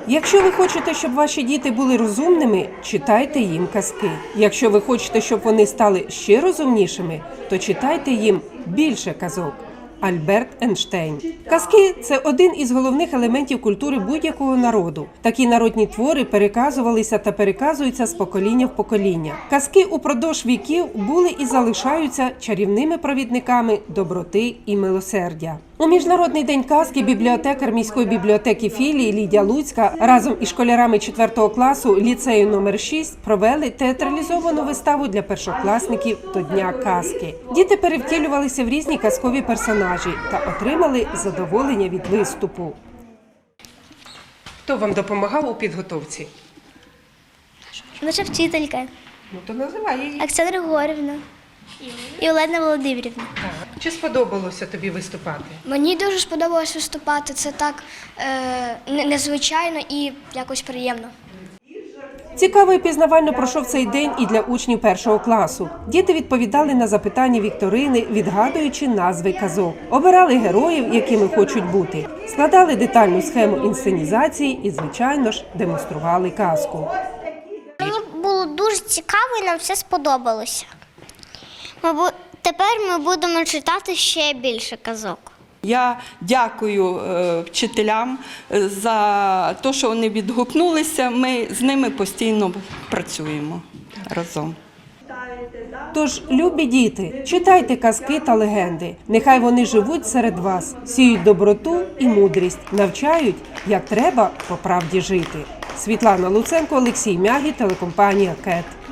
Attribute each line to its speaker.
Speaker 1: Якщо ви хочете, щоб ваші діти були розумними, читайте їм казки. Якщо ви хочете, щоб вони стали ще розумнішими, то читайте їм більше казок. Альберт Ейнштейн. Казки – це один із головних елементів культури будь-якого народу. Такі народні твори переказувалися та переказуються з покоління в покоління. Казки упродовж віків були і залишаються чарівними провідниками доброти і милосердя. У Міжнародний день казки бібліотекар міської бібліотеки філії Лідія Луцька разом із школярами 4 класу ліцею номер 6 провели театралізовану виставу для першокласників до Дня казки. Діти перевтілювалися в різні казкові персонажі та отримали задоволення від виступу. Хто вам допомагав у підготовці?
Speaker 2: Наша вчителька
Speaker 1: Ну, то називай її.
Speaker 2: Оксана Григорівна і Олена Володимирівна.
Speaker 1: Чи сподобалося тобі виступати?
Speaker 2: Мені дуже сподобалось виступати. Це так незвичайно і якось приємно.
Speaker 1: Цікаво і пізнавально пройшов цей день і для учнів 1 класу. Діти відповідали на запитання вікторини, відгадуючи назви казок. Обирали героїв, якими хочуть бути. Складали детальну схему інсценізації і, звичайно ж, демонстрували казку.
Speaker 3: Мені було дуже цікаво і нам все сподобалося. Тепер ми будемо читати ще більше казок.
Speaker 4: Я дякую вчителям за те, що вони відгукнулися. Ми з ними постійно працюємо разом.
Speaker 1: Тож, любі діти, читайте казки та легенди. Нехай вони живуть серед вас, сіють доброту і мудрість, навчають, як треба по правді жити. Світлана Луценко, Олексій Мягі, телекомпанія КЕТ.